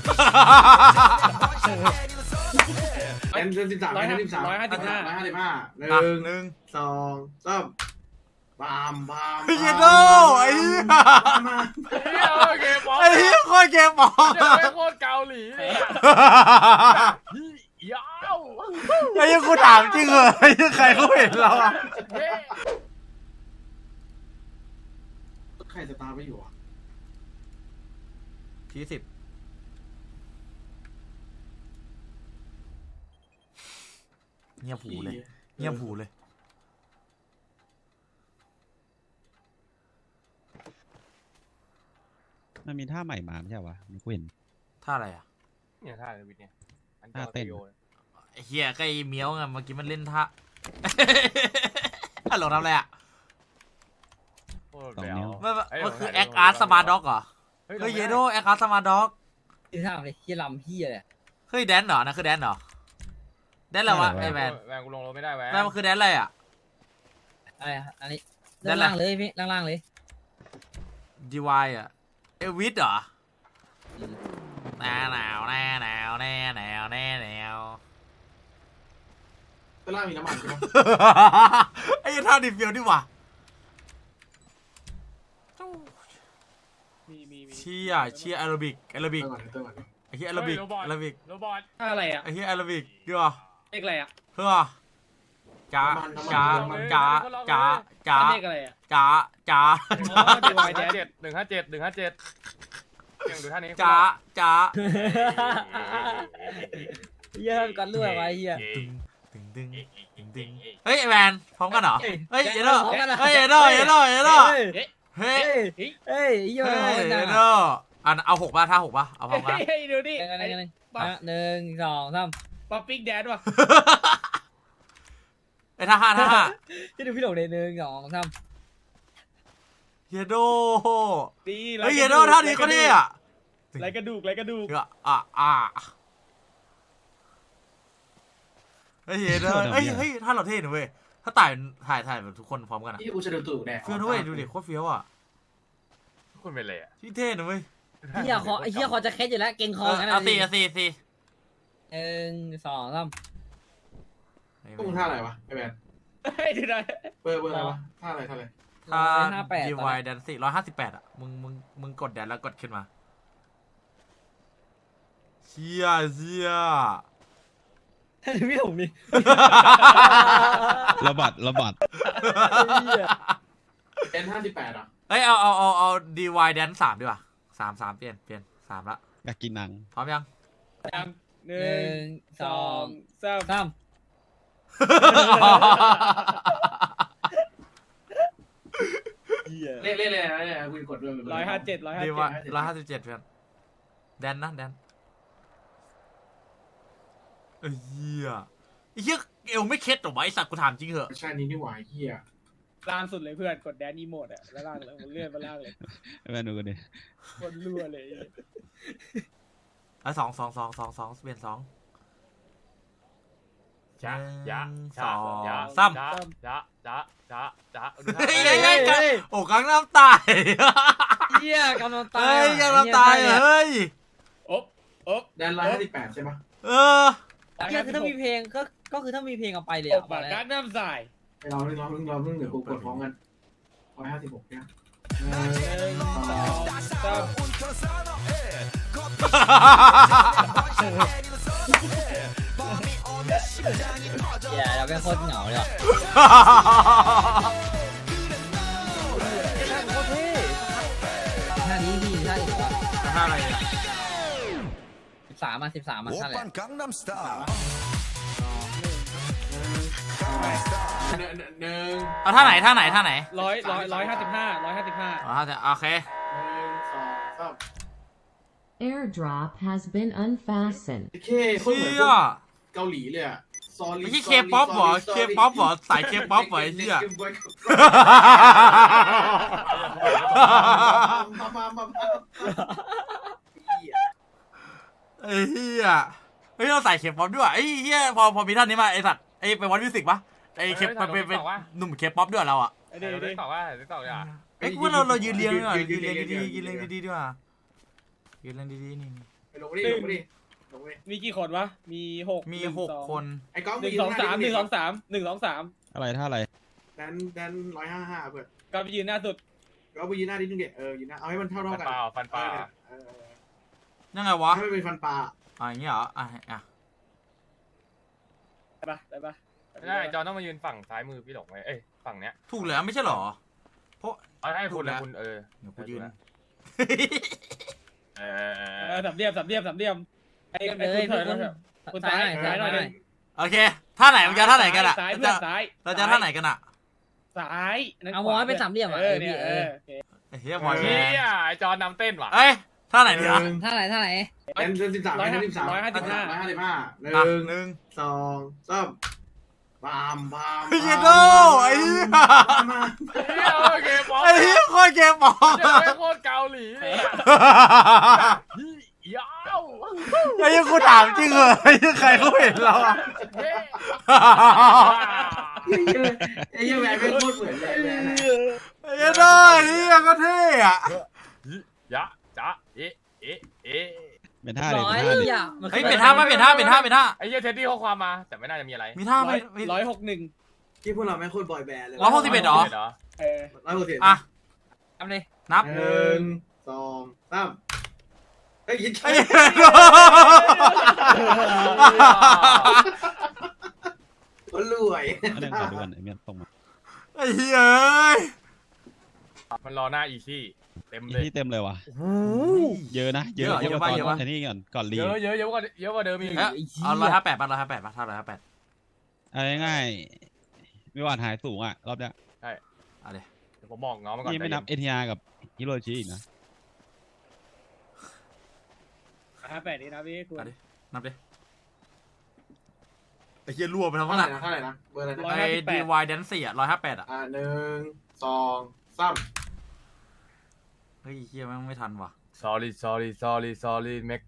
แอน13 155 1 2 3บามไอ้เหี้ยโดไอ้เหี้ยไอ้เหี้ยโคตรเกมบอลโคตรเกาหลีเลยยาวไอ้เหี้ยกูถามจริงเหรอไอ้เหี้ยใครเขาเห็นเราอะใครจะตามไม่อยู่อ่ะที่10เงียบหูเลยเงียบหูเลยมันมีท่าใหม่มาไม่ใช่วะไม่เห็นท่าอะไรอ่ะเนี่ยท่าวิทย์เนี่ยท่าเต้นไอ้เหี้ยก็ไอ้เมียวไงเมื่อกี้มันเล่นท่าฮัลโหลทำอะไรอ่ะมันคือแอคอาร์ตสมาร์ด็อกเหรอเฮ้ยเยโดแอคอาร์ตสมาร์ด็อกที่ทำอะไรที่ลำพี่อะไรเฮ้ยแดนเหรอนะคือแดนเหรอแดนอะไรวะไอ้แวนกูลงรถไม่ได้แวนมันคือแดนอะไรอ่ะอะไรอันนี้ล่างเลยพี่ล่างเลยดีวายอ่ะเอวิสเหรอหนาวก็ล่างมีน้ำมันใช่ไหมไอ้ท่าดิฟิลดิว่ะเชียแอโรบิกไอ้เฮียแอโรบิกโรบอทอะไรอ่ะไอ้เฮียแอโรบิกดีว่ะเลขอะไรอ่ะเฮ้อจ้าเลขอะไรอ่ะ 157ยังดูท่านี้จ้าเยอะกันเรื่อยไปเฮียเฮ้ยแมนพร้อมกันเหรอเฮ้ยเยโดเฮ้ยเยโดเฮ้ยเยอะอันเอา6ป่ะท่า6ป่ะเอาพร้อมกันดูดิ1 2 3ป๊อปปิ้งแดนว่ะไอ้ท่า5 ที่ดูพี่หลงเลย1 2 3 เยโดเฮ้ยเยโดท่านี้ก็ดีอ่ะไรกระดูกเฮ้ยเยโดเฮ้ยท่าเราเท่หน่อยเว้ยถ้าถ่ายแบบทุกคนพร้อมกันอ่ะที่กูจะดูตู่แน่เฟี้ยวด้วยดูดิโคตรเฟี้ยวอ่ะคุณเป็นอะไรอ่ะที่เท่หน่อยเว้ยเฮียคอจะแคสอยู่แล้วเก่งคอกันนะ4 1 2 3 ตุ้งท่าอะไรวะไอ้แบนเบอร์อะไรวะท่าอะไรถ้าดีวายแดน4 158อ่ะมึงกดแดนแล้วกดขึ้นมาเชี่ยดูพี่หลงดิระบัดแอน58อ่ะเอ้ยเอาดีวายแดน3ดีกว่า3เปลี่ยน3ละอยากกินนังพร้อมยัง 1 2 3 เล่นเลยนะคุณกดด้วย 157ดีวาย157เพื่อนแดนเฮียเอวไม่เคล็ดหรอวะไอสัตว์กูถามจริงเหอะใช่นี่นี่หวายเฮียล่างสุดเลยเพื่อนกดแดนอีโมดอ่ะแล้วล่างเลยเลื่อนมาล่างเลยแม่ดูกันดิคนรั่วเลย 2เปลี่ยน2 จ้าโอ้กังน้ำตายเฮียกังน้ำตายกังน้ำตายเฮ้ยแดน158ใช่ไหมคือถ้ามีเพลงก็คือถ้ามีเพลงเอาไปเลยปากกัน้ำใส่ไปรอเดี๋ยวกูกดพร้อมกัน156เนี่ยเราเป็นโคตรเหงาเลยอ่ะท่านี้พี่ท่าอีกว่าท่าอะไร 13มาท่าอะไรเอาท่าไหน 155 โอเค Airdrop has been unfastened โคตรเหมือนเกาหลีเลยอ่ะไม่ใช่เคป๊อปหรอสายเคป๊อปเหรอไอ้เหี้ยไอ้เหี้ยเฮ้ยเราใส่เคป๊อปด้วยไอ้เหี้ยพอมีท่านนี้มาไอ้สัตว์ไอ้ไปวัดมิวสิกปะไอ้เคป๊อปเป็นหนุ่มเคป๊อปด้วยเราอ่ะได้ตอบว่าอย่าไอ้พวกเรายืนเรียงดีๆยืนเรียงดีๆดีกว่ายืนเรียงดีๆนี่ไปลงดิลงดิลงดิมีกี่คนวะมีหกมีหกคนไอ้ก้องหนึ่งสองสามหนึ่งสองสามหนึ่งสองสามอะไรท่าอะไรแดน155เพื่อนก็ไปยืนหน้าสุดก็ไปยืนหน้านิดนึงเด็ยืนหน้าเอาให้มันเท่าฟันกันปลาฟันปลายังไงวะให้มันเป็นฟันปลาอย่างเงี้ยเหรออ่ะได้ปะได้ปะไม่ได้จอนต้องมายืนฝั่งซ้ายมือพี่หลงไว้ฝั่งเนี้ยถูกแล้วไม่ใช่เหรอเอาให้คุณเลยคุณเดี๋ยวกูยืนสามเหลี่ยมไอ้เลยคุณซ้ายหน่อยโอเคท่าไหนมันจะท่าไหนกันอะซ้ายเพื่อนซ้ายเราจะท่าไหนกันอะซ้ายเอาวอยเป็นสามเหลี่ยมอ่ะเนี่ยเฮียบอยเฮียไอจอนนำเต้นว่ะเอ้ยท่าไหนดีอะท่าไหนแดน13 1 หนึ่ง 2 3บามเฮียโดไอ้เฮียโอเคบอลไอ้เฮียโคตรเกมบอลจะไม่โคตรเกาหลีเลยยาวไอ้เฮียกูถามจริงเหรอไอ้เฮียใครเขาเห็นเราอะไอ้เหี้ยแหวนเป็นโคตรเหมือนเลยแหวนไอ้เฮียโดไอ้เฮียก็เท่อะยะจ้าเอ๊ะเป็นท่าอะไรร้อยเป็นท่าดิอ่ะเฮ้ยเป็นท่าไหมเป็นท่าไอ้เหี้ยเท็ดดี้ข้อความมาแต่ไม่น่าจะมีอะไรมีท่าไหม 161 ที่พวกเราไม่โคตรบอยแบนด์เลย 161เหรอ 160 อ่ะทำเลยนับ 1 2 3ไอ้ยิงไอ้เหี้ยคนรวยอันนึงขอดูก่อนไอ้เมียตรงมาไอ้เหี้ยเอ้ยมันรอหน้าอีซี่เต็มอีเลยที่เต็มเลยว่ะ เยอะนะเยอะเยอะกว่าปะตเยอะปะอนไอ้นี่ก่อนรีเยอะกว่าเดิมอีกเอ้ยเอา158ป่ะ158ป่ะท่า158 เอาง่ายๆไม่หวานหายสูงอ่ะรอบเนี้ยเอาดิเดี๋ยวผมบอกน้องมันก่อนนี่ไม่นับเอทีอาร์กับฮิโรชิอีกนะ 58นี่นะพี่คุณเอาดินับดิไอ้เหี้ยรั่วไปทั้งเท่านั้นไหร่อะนะเท่าไหร่นะเบอร์อะไรนะไอ้ DY Dance อ่ะ158อ่ะ 1 2 3 เฮ้ยเหี้ยแม่งไม่ทันว่ะ sorry make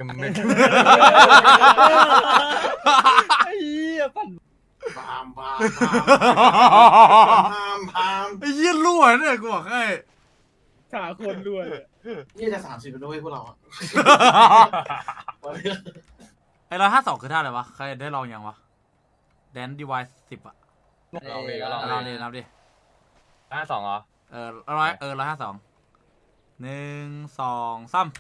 ไอ้เหี้ยปั่นบามบามไอ้เหี้ยรั่วเนี่ยกูบอกให้ขาคนด้วยนี่จะ30เป็นด้วยพวกเราอ่ะไอ้152คือท่าอะไรวะใครได้ลองยังวะ Dance DY 10อ่ะลองดิก็ลองลองดินับดิ 52เหรอ 152 1 2 3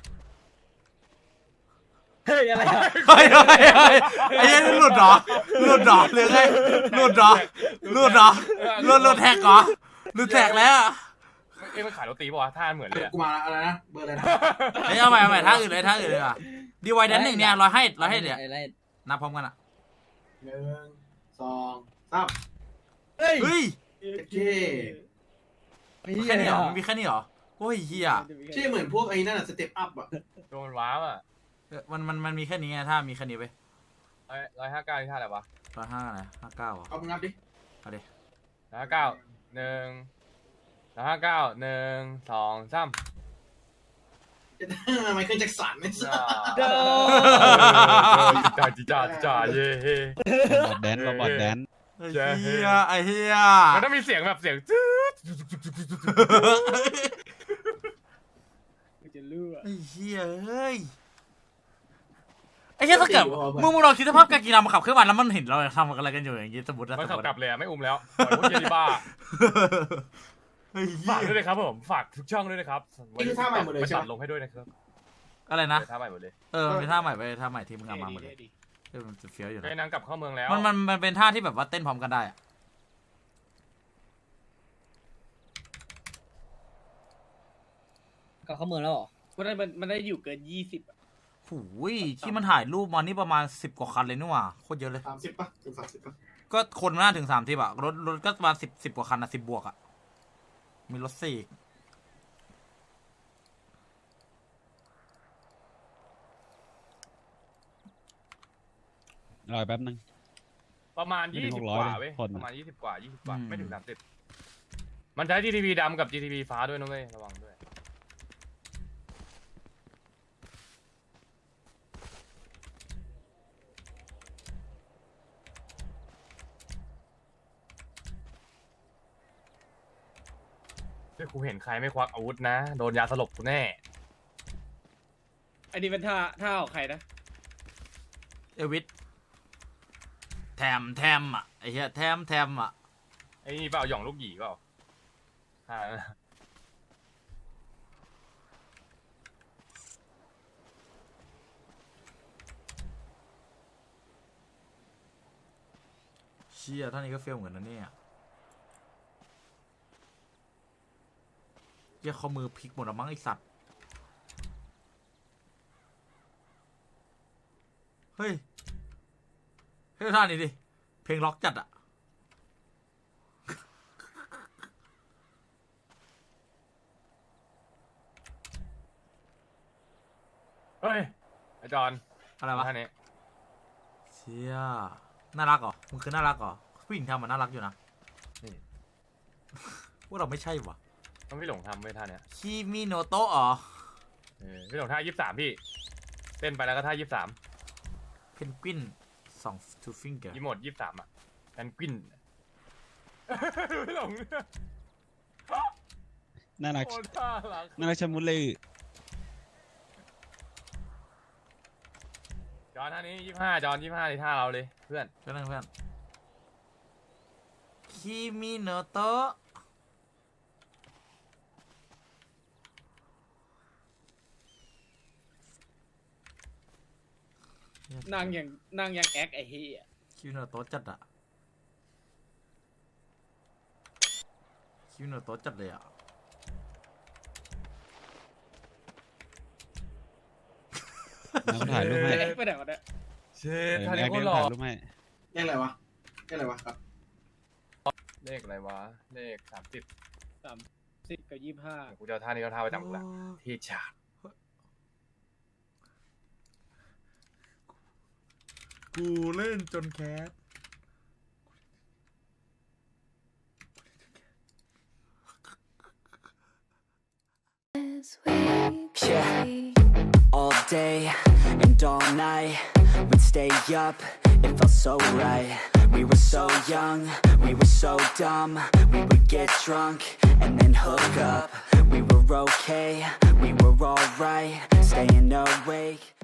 เฮ้ยอะไรอะเฮ้ยไอ้เหี้ยนี่หลุดเหรอหรือไงหลุดเหรอหลุดแท็กเหรอหลุดแท็กแล้วมันขายโรตีป่ะวะท่าเหมือนเลยกูมาอะไรนะเบอร์อะไรนะเฮ้ยเอาใหม่ท่าอื่นเลยอ่ะดีไวแดน1เนี่ยเราให้เนี่ยอะไรนับพร้อมกันอ่ะ 1 2 3 เฮ้ยเฮ้ยโอเคแค่นี้เหรอมันมีแค่นี้เหรอโอ้ยเฮียชื่อเหมือนพวกไอ้นั่นอะสเต็ปอัพอ่ะโดนว้าวอ่ะมันมีแค่นี้ไงถ้ามีแค่นี้ไป 159ที่ท่าอะไรวะ 105อะไร59เหรอเอามึงนับดิเอาดิ 159 1 2 3 ไมเคิลแจ็คสันไม่ใช่จ้าเย่เฮ้โรบอทแดนไอ้เฮียมันต้องมีเสียงแบบเสียงจืดจะเลือดไอ้เฮียเฮ้ยไอ้เฮียถ้าเกิดมึงลองคิดสภาพการกีฬามาขับเครื่องมันแล้วมันเห็นเราทำอะไรกันอยู่อย่างงี้สมมตินะมันขับกลับเลยไม่อุ้มแล้วปล่อยพวกเจนี่บ้าไอ้เฮีฝากยด้วยนะครับผมฝากทุกช่องด้วยนะครับนี่คือท่าใหม่หมดเลยใช่ตัไหมดลงให้ด้วยนะครับอะไรนะท่าใหม่หมดเลยมันเป็นท่าใหม่ไปท่าใหม่ที่มึงเอามาหมดเลยมันจะเฟี้ยวอยู่นะไอ้นางกลับเข้าเมืองแล้วมันเป็นท่าที่แบบว่าเต้นพร้อมกันได้อะก็เข้าเมืองแล้วเหรอมันได้อยู่เกิน20อ่ะหูยที่มันถ่ายรูปมานี่ประมาณ10กว่าคันเลยนี่หว่าโคตรเยอะเลย 30ป่ะถึง30ป่ะก็คนมันน่าถึง30อะรถก็ประมาณ10กว่าคันอะ10บวกอะมีรถ4อีกรอยแป๊บนึงประมาณไม่ถึง 20 600 กว่าเว้ยคนประมาณ20 กว่าไม่ถึง30มันใช้ GTV ดำกับ GTV ฟ้าด้วยนะเว้ยระวังด้วยถ้ากูเห็นใครไม่ควักอาวุธนะโดนยาสลบกูแน่อันนี้เป็นท่าของใครนะเอวิสแทมอ่ะไอ้เหี้ยแทมอ่ะไอ้นี่เปล่าหย่องลูกหยีเปล่าอ่าเชี่ยท่านนี้ก็เฟลเหมือนกันนะเนี่ยเหี้ยข้อมือพลิกหมดแล้วมั้งไอสัตว์เฮ้ยท่านี้ดิเพลงล็อกจัดอ่ะเฮ้ยไอจอนอะไรวะท่านี้เชี่ยน่ารักเหรอมึงคือน่ารักเหรอผู้หญิงทำมันน่ารักอยู่นะนี่ว่าเราไม่ใช่วะต้องพี่หลงทำไว้ท่าเนี้ยคิมิโนโตะอ๋อพี่หลงท่า23พี่เต้นไปแล้วก็ท่า23 เพนกวิน2 two finger ยี่หมด23อ่ะแอนกวินพี่หลงน่ารักโคตรน่ารักน่ารักชะมุดเลยจอนท่านี้25จอน25ในท่าเราเลยเพื่อนเพื่อนคิมิโนโตะนั่งยังแอคไอ้เหี้ยคิมิโนโตะจัดอะคิมิโนโตะจัดเลยอะน้ำถ่ายรูปให้แอคไปไหนวะเนี่ยเช่เออท่าแอนี้คโคเดี๋ตยวรหล่อถ่ายรูปให้เลขอะไรวะครับเลขอะไรวะเลข30 10 กับ 25 กูจะเอาท่านี้เอาท่าไปจำกูละที่ฉากกูเล่นจนแคส Yeah, all day and all night, we'd stay up, it felt so right. We were so young, we were so dumb, we would get drunk and then hook up. We were okay, we were alright, staying awake.